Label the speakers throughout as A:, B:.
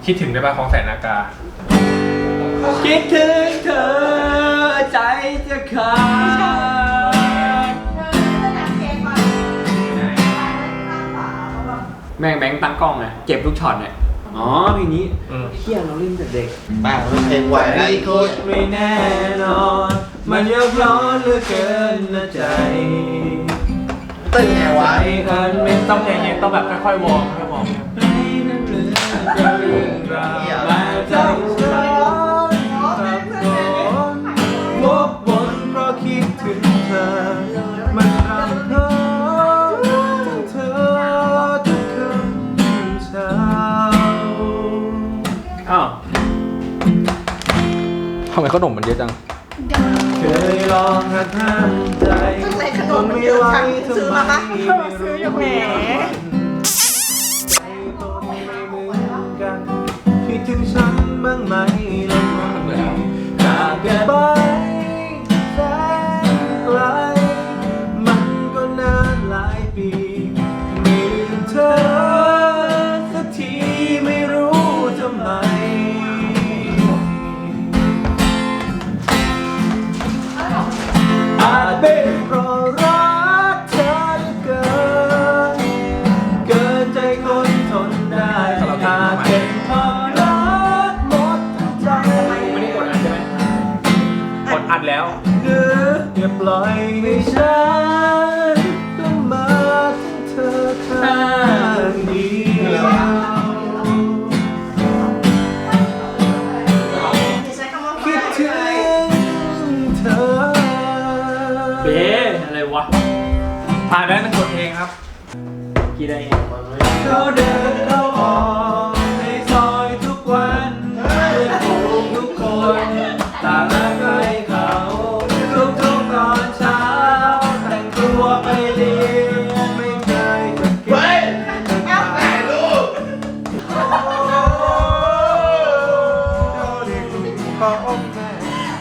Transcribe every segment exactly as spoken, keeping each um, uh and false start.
A: คิดถึงได้ป่ะของแสนนากา
B: คิดถึงเธอใจจะขาดแม่งแบงค์ตั้งกล้องไงเก็บทุกช็อตเนี่ยอ๋อเพลงนี้เที่ยเราเล่นแต่เด็ก
C: บ้าเพลงไหวแล้วอีกคน
B: ไม่แน่นอนมันยกร้อนเหลือเกินนะใจ
C: เต้นไงวะ
B: ใจเอิญไม่
A: ต้องใจเย็นต้องแบบค่อยๆวอร์มค่อยๆวอร์ม
B: ให้นั้นเรื่องเรื่องราวมาใจฉันสับสนวกวนเพราะคิดถึงเธอมันรำคาญถึงเธอทุกคืนเช้าอ้าวทำไมขนมมันเยอะจังเคยลองหักห้ามใจทนไม่ไหวทำไมไม่รู้แหมใจตนไม่เหมือนกันคิดถึงฉันบ้างไหมลองมาจากกันไปแสนไกลมันก็นานหลายปีไม่ลืมเธอสักทีไม่รู้ทำไมอาจเป็นเพราะรักเธอเหลือเกินเกินใจคนทนได้อาจเป็นเพราะรักหมดใจ
A: ไม่ได้กดอัดใช่ไหมกดอัดแล้ว
B: คืออย่าปล่อยให้ฉันต้องมาถึงเธอข้างเดียวคิดถึงเธอ
A: เบ๊อะไรวะผ่านแล้วนั่นกดเองครับกี่ได้ไง
B: เขาเดินเข้าออกในซอยทุกวันเพื่อนฝูงทุกคนต่างรักใครเขาทุกทุกตอนเช้าแต่งตัวไปเรียนไม่เคยจะเก็บแต่ลูกของแม่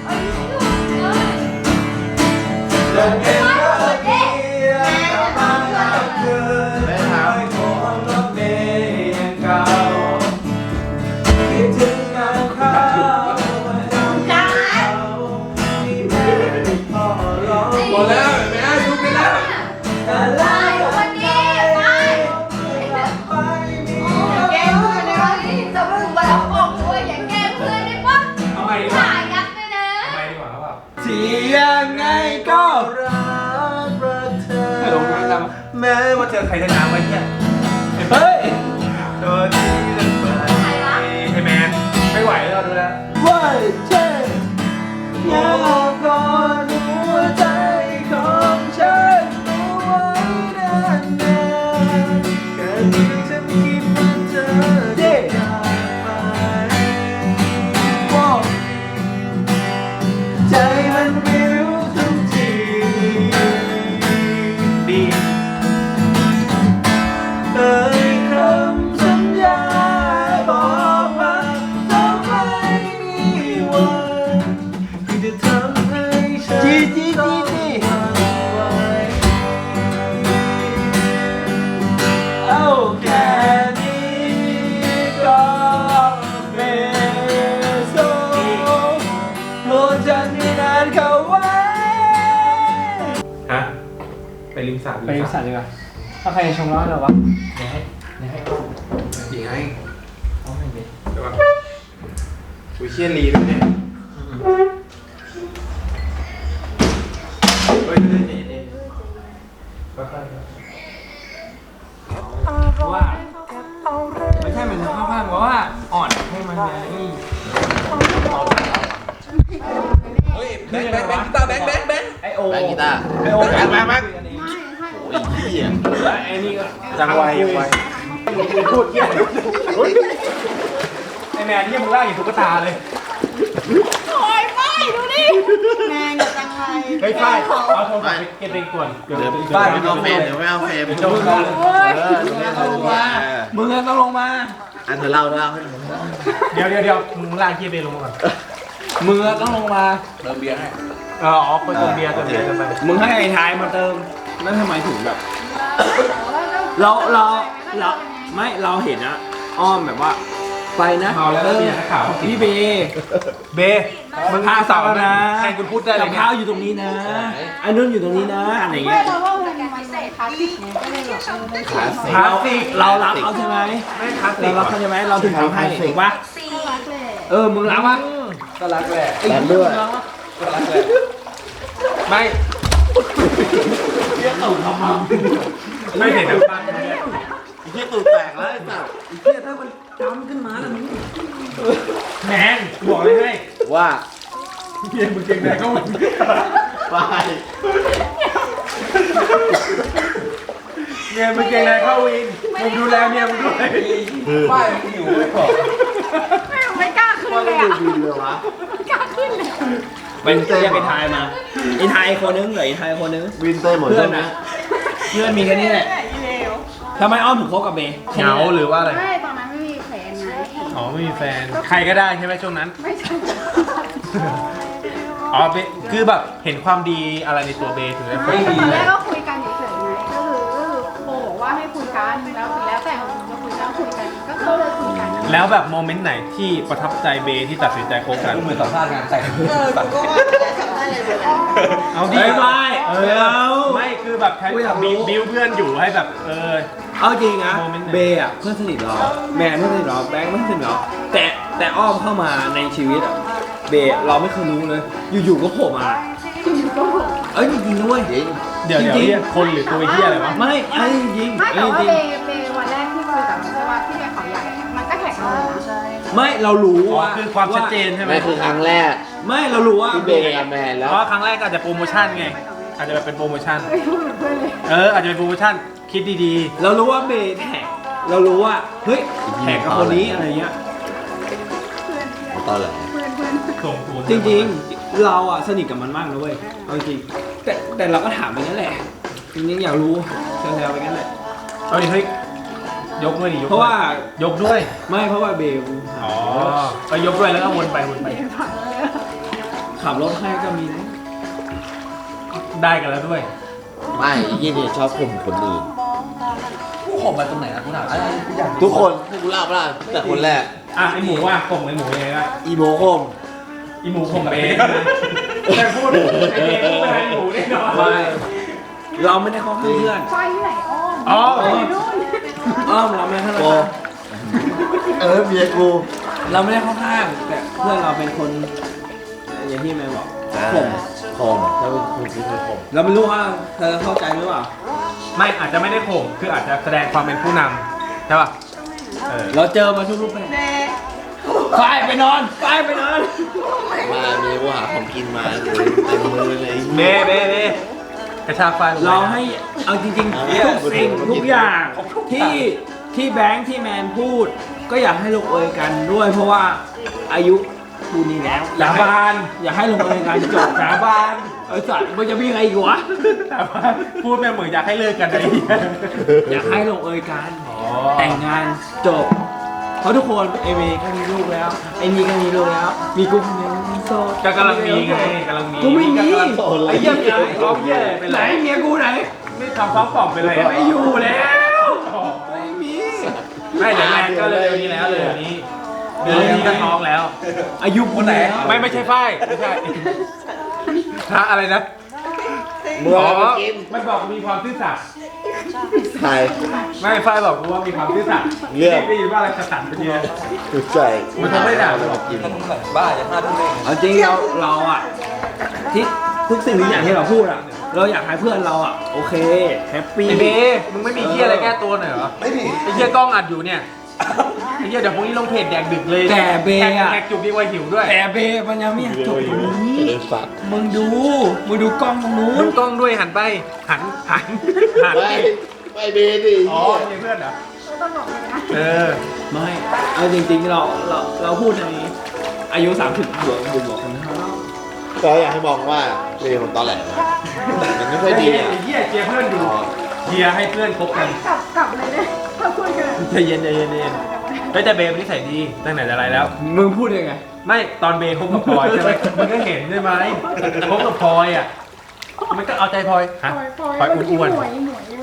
B: เดินเองก็เดียวทำแล้วเกินไม่ทำคนรักเดียงเก่าคิดถึงเงาเขาจำเขาที่แม่พ่อร้องหมดแล้วแม่ยุบไปแล้วแต่แล้ววันนี้ไปไปมี
D: แกล้งเพื่อนได้ปะจะมึงมาเอาของด้วยอย่าแกล้งเพื่อนได้ปะ
A: เอาใหม่ดีก
D: ถ่า
A: ว่าย
D: ยับด้วยนะ
A: เอาใหม่ดีกว่าครับ
B: ที่ยังไงก็รักรักเธอ
A: ให้ลงน้ำดำแม้ว่าเจอใครจะน้ำไว้เนี่ย
B: เฮ้ยตัวที่จะไป
D: ใครวะ
A: ไอ้แมนไม่ไหวแล้วดูแล
B: ว่าเช่อยากกอดหัวใจของฉันเอาไว้นานๆแค่เพียงฉันคิดว่าเธอจะจากไปบอกใจมันวิวทุกทีดีเอ่ยคำสัญญาบอกว่าจะไม่มีวันที่จะทำให้ฉันต้องหวั่นไหวเอาแค่นี้ก็เป็นโซ่โปรดฉันให้นานเข้าไว้
A: ฮะไปริมสระ
B: ไปริมสระดีกว่าถ้าใครชงร้อนเหรอวะ
A: ดีไงเอาไม่ดีใช่ปะอุ้ยเชี่ยรีด้วยเนี่ยเฮ้ยเฮ้ยเฮ้ยเฮ้ยค่อยๆเพราะว่าไม่ใช่มันเข้าข้างเพราะว่าอ่อนให้มันนี่เฮ้ยแบงค์แบงค์แบงค์กีตาร์แบงค์แบงค์แบงค์ไอโอ
C: แบงค์กีตาร์
A: ไอโอแบงค์แบงค์แบงค์
C: โอ้ยเหี้ย
A: ไอ้นี่ก็จังไวจังไวพูดเยี่ยมไอแมนที่มึงล่าอย่างตุ๊กตาเลย
D: โอ้ยไม่ดูดิแม่งอย่าจังไร
A: เฮ้ยฝ้ายเอาโทรศัพท์ไปเก็บเองก่อน
C: เดี๋ยวบ้านไม่เอาเฟรมเดี๋ยวไม่เอาเฟรม
A: เดี๋ยวจะเอา
C: เออเดี๋ยวไม่เอาลงมา
B: มึงต้องลงมา
C: อันเธอเล่าเล่าให้หนู
A: เดี๋ยวเดี๋ยวเดี๋ยวมึงล่างเกียร์เบลงมาก่อน
B: มึงต้องลงมา
C: เติมเบียร์ให้
A: เอออ๋อคนเติมเบียร์เติมเบียร์เติมไป
B: มึงให้ไอ้ท้ายมาเติมแล้วทำไมถึงแบบ เราเราเราไม่เราเห็นอะอ้อมแบบว่าไปนะ
A: เมาแล้วก็มีนักข่าว
B: พี่เบ
A: เบมึงพาสาวนะแทนคุณพูดได้เล
B: กั
A: ย
B: บ
A: เนี่ย
B: ข้าวอยู่ตรงนี้นะไอ้นุ่นอยู่ตรงนี้นะอะไรเงี้ย
D: เพราะว่ามันมันคลาสสิกไงก็เลยแบบเออ
C: คลาสสิก
A: คลาสสิก
B: เรารักเขาใช่ไหม
A: ไม่คลาสสิ
B: เรา
A: ก
B: รักเขาใช่ไหมเราถึงทำให้ถูกปะ
D: รักเลย
B: เออมึงรักปะ
A: ก็รักแหละ
C: แล้วด้วย
A: ก็รักแหละไม่ไม่เห็นน้ำตา
C: ที่ตูดแตกแล้วไอ้สัส
B: เฮียถ้ามันจำขึ้นมาแล้วมึง
A: แมนบอกเลยให้
C: ว่า
A: เฮียมึงเก่งไหนก็มึง
C: ไป
A: เนี่ยมึงเก่งไหนเข้าวินมึงดูแลเนี่ยมึงด้วย
B: ป้ายมันอยู่ไว้ก่อน
D: ไม่ไม่กล้าขึ้น
C: ว่า
D: เล
C: ไม่
D: ย
C: ดู
D: อ่ะ
C: บินเลยวะ
D: ไม่กล้าขึ้นเลย
B: เป็นเรียกไอ้ทายมาไอ้ทายคนนึงเหรอไอ้ทายคนนึง
C: วินเต้หมด
B: เพื่อ
C: ใช่
B: น
C: ไหม
B: อะเพื่อนมีแค่นี้แหละทำไมอ้อมถึงคบกับเบย์
A: เหงาหรือว่าอะไร
D: ไม่ตอนนั้นไม่มีแฟนไง
A: อ๋อไม่มีแฟน ใครก็ได้ใช่ไหมช่วงนั้น
D: ไม่ใช่
A: อ๋อเบคือแบบเห็นความดีอะไรในตัวเบถึงได้
D: ไม่ตอนแรกก็คุยกันเฉยๆไงก็คือโบบอกว่าให้คุยกันแล้วแล้วแต่ของจะคุยกันคุยกันก็คือเลยคุยกัน
A: แล้วแบบโมเมนต์ไหนที่ประทับใจเบที่ตัดสินใจคบกัน
B: เหมือนสัมภาษณ์งานแต่ง
A: เอาดิ
B: เฮ้ยไม่
A: เอ
B: ไม่
A: อ
B: เอา
A: ไม่คือแบบใช้
B: กูอยากรู้
A: บิวบิวเพื่อนอยู่ให้แบบเออ
B: เอาจริงนะ
A: โมเมนต์ไหน
B: เบย์อะเพื่อนสนิทเราแมนเพื่อนสนิทเราแบงค์เพื่อนสนิทเราแต่แต่อ้อมเข้ามาในชีวิตอะเบย์เราไม่เคยรู้เลย อยู่ๆก็โผล่มา
D: ก็
B: เอ้ยจริงๆด้วย
C: จริง
A: เดี๋ยวเดี๋ยว
B: จริงๆ
A: เรียกคนหรือตัวเฮียอะไรวะ
B: ไม่ไอ้จริง
D: ไม่
B: ไอ้
D: แต่ว่า
B: จริง
D: เบย์เบย์วันแรกที่คุยกับมันใช่ว่าที่ไปเขาใหญ่มันก็แท็กเราเลยนะ
B: ไม่เรารู้
A: อ๋อ
B: ว่า
A: คือความชัดเจนใช่ไหม
C: ไม่คือครั้งแรก
B: ไม่เรารู้ว่า
C: ที่เบย์กับแมน
A: เพ
C: แล้ว
A: ราะว่าครั้งแรกก็อาจจะโปรโมชั่นไง อาจจะแบบเป็นโปรโมชั่น
D: ไม่พูดเหมือนเพื่อนเลย
A: เอออาจจะเป็นโปรโมชั่นคิดดี
B: เรารู้ว่าเบย์แท็กเรารู้ว่าเฮ้ยแท็กกับคนนี้อะไรเงี้ย
C: ตอนไหน
D: เพื่อนเพื่อน
A: ๆส่งตัว
B: จริงๆ เราอะสนิทกับมันมากนะเว้ยเอาจริงแต่แต่เราก็ถามไปงั้นแหละจริงๆอยากรู้แซวๆไปงั้นแหละ
A: เอาดิเฮ้ยยกด้วยดิยก
B: เพราะว่า
A: ยกด้วย
B: ไม่เพราะว่าเบย์
A: อ๋อก็ยกด้วยแล้วก็วนไปวนไป
B: ขับรถให้ก็มีนะ
A: ได้กันแล้วด้วย
C: ไม่ยี่นี่ชอบข่มคนอื่น
B: กูข่มมาตรงไหนนะกูถามอะไรกูอยาก
C: ทุกคนให้กูเล่าเปล่าแต่คนแรก
A: อ่ะไอหมูว่าข่มไอหมูยังไงล่ะ
C: อีโมข่ม
A: อีหมูข่มเบย์แต่พูดไอเบย์พูดไปไอหมูแน่นอน
B: ไม่เราไม่ได้เข้าข้างเพื่อน
D: ไฟที่ไหนอ้อม
A: อ๋อ
D: นู่น
B: อ้อมเราไม่ได้เข้า
C: โก
B: ข้าง
C: เออเมียกู
B: เราไม่ได้เข้าข้างแต่เพื่อนเราเป็นคนอย่างที่แม่บอกข่ม
C: ข่มถ้าเป็นคุณที่เคยข่ม
B: เราไม่รู้ว่าเธอเข้าใจหรือเปล่า
A: ไม่อาจจะไม่ได้ข่มคืออาจจะแสดงความเป็นผู้นำใช่ป่ะเออ
B: เราเจอมาทุกรูปแบบไปไปนอนไปไปนอน
C: มาเมียกูหาของกินมาเลยเต็มมือเลย
A: เบย์เบย์เบย์กระชากไฟลงไป
B: เราให้เอาจริงๆทุกสิ่งทุกอย่างที่ที่แบงค์ที่แมนพูด ก็อยากให้ลงเอยกันด้วย เพราะว่าอายุคูนี้แล้ว
A: สาบาน
B: อยากให้ลงเอยกันจบ
A: สาบาน
B: ไอ้สัตว์มันจะมีอะไรอีกวะ
A: แต่ว่าพูดแม่เหมือนอยากให้เลิกกันเลย
B: อยากให้ลงเอยกัน
A: อ๋อ
B: แต่งงานจบ เพราะทุกคนเอเมก็มีลูกแล้วไอ้นี่ก็มีลูกแล้ว มีกูคนเดียวมีโซ
A: ก็กำลังมีไงกำลังมี
B: กูไม่มี
A: กำลังโสดไอ้เหี้ยมีอะไรท้องเหี้ยอะไรเป็น
B: ไหน
A: ไร
B: เมียกูไหน
A: ไม่ทำท้องป่องเป็นไร
B: ไม่อยู่แล้ว ไม่มี
A: ไม่เดี๋ยวแม่ก็เลยนี้แล้วเลยนี้เดือนนี้ก็ท้องแล้ว
B: อายุคนไหน
A: ไม่ไม่ใช่ฝ้ายไม่ใช่พระอะไรนะ
C: เมื่อ
A: อ๋อ
C: ไปกิน
A: มันบอกมีความซื่อสัตย์
C: ใคร
A: ไม่ฝ้ายบอกกูว่ามีความซื่อสัตย์
C: เรื่อง
A: ได้ยินว่าอะไรกระสันเป็นเยอะ
C: ถูกใจ
A: มันทำไม่ได้หรอก
C: กิน
B: บ้าจะพลาดทุกเรื่องเอาจริงเราเราอะที่ทุกสิ่งทุกอย่างที่เราพูดอะเราอยากให้เพื่อนเราอะโอเคแฮปปี้
A: ไอ้เบมึงไม่มีเหี้ยอะไรแก้ตัวหน่อยเหรอ
B: ไม่มี
A: ไอ้เหี้ยกล้องอัดอยู่เนี่ยไอ้เหี้ยเดี๋ยวพรุ่งนี้ลงเพจแดกดึกเลย
B: แต่เบอะ
A: แดกจุกดีกว่าหิวด้วย
B: แต่เบมันยังไม่อยากจบตรงนี้
C: เดินฝัก
B: มึงดูมึงดูกล้องตรงนู้
A: ดู
B: น
A: กล้องด้วยหันไปหันหันหัน
C: ไปไปเบดิ
A: อ๋อมีเพื่อนเหรอ
D: ต้องบอกเลยนะ
A: เออ
B: ไม่เอาจริงๆเราเราเราพูดในอายุสามสิบบวกบวกบวกกันนะ
C: ก็อยากให้มองว่าเบมันตอแหลนะมันไม่ค่อยดีอ่ะ
A: ไอ้เหี้ยเจียร์เพื่อนอยู่เจียร์ให้เพื่อนคบกัน
D: กลับกลับเลยเนี่ยถ้าคุยกัน
A: ใจเย็นใจเย็นใจเย็นเฮ้ยแต่เบย์มันนิสัยดีตั้งแต่อะไรแล้ว
B: มึงพูดยังไง
A: ไม่ตอนเบย์คบกับพลอยใช่ไหมมันก็เห็นใช่ไหมคบกับพลอยอ่ะมันก็เอาใจพลอยฮะ
D: ปล่อยปล่อย
A: พลอยอ้วน
D: หมวยหมวยเมื่อกี้หมวย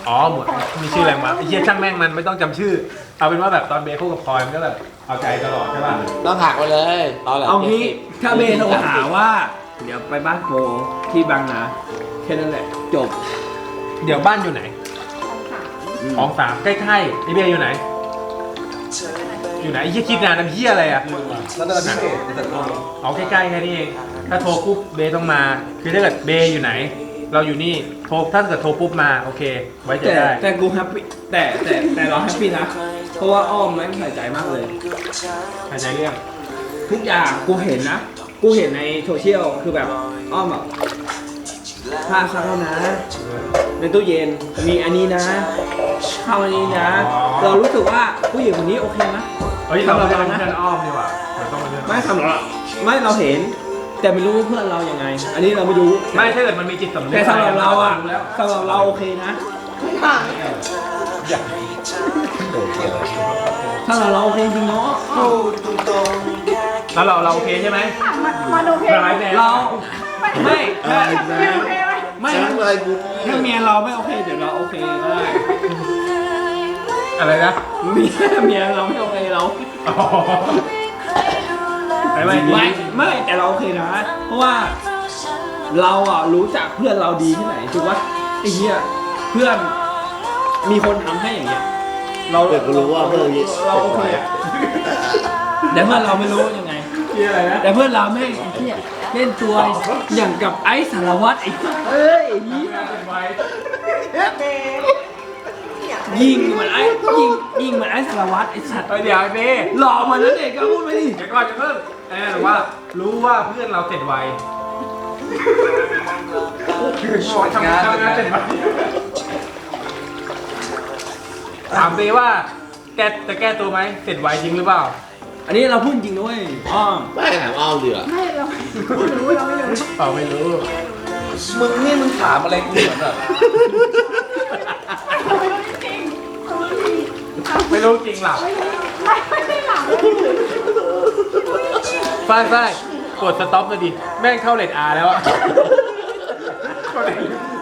B: อ๋อเหมือนมีชื่ออะไรมาไอ้เหี้ยช่างแม่งมันไม่ต้องจำชื่อ เอาเป็นว่าแบบตอนเบย์คู่กับพลอยมันก็แบบเอาใจตลอดใช่ป่ะ
C: ต้องหักไปเลยตอนแหล
A: เอางี้ถ้าเบย์โทรหาว่า เดี๋ยวไปบ้านโปที่บางนาแค่นั้นแหละจบ
B: เดี๋ยวบ้านอยู่ไหน
D: สองสาม
B: ของสามใกล้ๆไอเบียร์อยู่ไหน อยู่ไหนไอ้เหี้ยคิดนานน้ำเหี้ยอะไรอ่ะ
C: แล้วตอนนี้แต่ตอน
B: เอาใกล้ๆแค่นี้เอง ถ้าโทรปุ๊บเบย์ต้องมา คือถ้าเกิดเบย์อยู่ไหน เราอยู่นี่ โทรถ้าเกิดโทรปุ๊บมาโอเค ไว้ใจ
A: แต่
B: ได้
A: แต่กูแฮปปี้แต่แต่แต่เราแฮปปี้นะ เพราะว่าอ้อมแม่งใส่ใจมากเลย
B: ใครใจเรื่อง
A: ทุกอย่างกูเห็นนะ กูเห็นในโซเชียลคือแบบอ้อมแบบผ้าซักแล้วนะ ในตู้เย็นมีอันนี้นะข้าวอันนี้นะ เรารู้สึกว่าผู้หญิงคนนี้โอเคนะ
B: เฮ้ยเราไม่ได้เป็นเพื่อนอ้อมดีกว่าเราต้องเป็นเพื่อนอ้อ
A: ไม่สำหรับไม่เราเห็น แต่ไม่รู้ว่าเพื่อนเรายังไง อันนี้เราไม่รู้
B: ไม่ถ้าเกิดมันมีจิตสำนึก
A: แต่สำหรับเราอะ
B: แล้ว
A: สำหรับเราโอเคนะ ถ้าเราเราโอเคจริงเนาะ
B: แล้วเราเราโอเคใช่ไหม
D: มามาดูเพลง
B: ร้ายแน่
A: เราไม่ถ้า
D: ไม่โอเคไหม
A: ไม่
C: ช้างอะไรกู
A: ถ้าเมียเราไม่โอเคเดี๋ยวเราโอเคก็ได้
B: อะไรนะ
A: เมียเมียเราไม่โอเคเรา
B: อ๋อไม่ไม่
A: ไม่ไม่แต่เราโอเคนะ เพราะว่าเราอ่ะรู้จักเพื่อนเราดีที่ไหนถูกปะไอ้เหี้ยเพื่อนมีคนทำให้อย่างเงี้ยเรา
C: เกิดกูรู้ว่าเพื่อนนี้
A: เราโอเคอะแต่เพื่อนเราไม่รู้ยังไง
B: ที่อะไรนะ
A: แต่เพื่อนเราแม่งไอ้เหี้ยเล่นตัวอย่างกับไอ้สารวัตรไอ้สัสเอ้ยไอ้เหี้ยยิงเหมือนไอ้ยิงยิงเหมือนไอ้สารวัตรไอ้สัตว์
B: เฮ้ยเดี๋ยวไอ้เบ้
A: หล่อเหมือนนั่นเองก็พูดไปดิ
B: เดี๋ยวก่อนจะเพิ่งเออแต่ว่ารู้ว่าเพื่อนเราเสร็จไวทำงานทำงานเสร็จไวถามเบ้ว่าแกจะแก้ตัวไหมเสร็จไวจริงหรือเปล่า
A: อันนี้เราพูดจริงด้วยอ้อม
C: ไม่ถามอ้อมดีกว่า
D: ไม่เราไม่รู้เราไม่รู้
B: เปล่าไม่รู้
C: มึงนี่มึงถามอะไรกูเหมือนแบบ
D: เราไม่รู้จริงๆเราไม่รู้จริง
B: ไม่รู้จริงหรอ
D: ไม่รู้ไม่ไม่ได้หลับ
B: ฝ้ายฝ้ายกดสต็อปเลยดิแม่งเข้าเลทอาร์แล้วอะกดเลท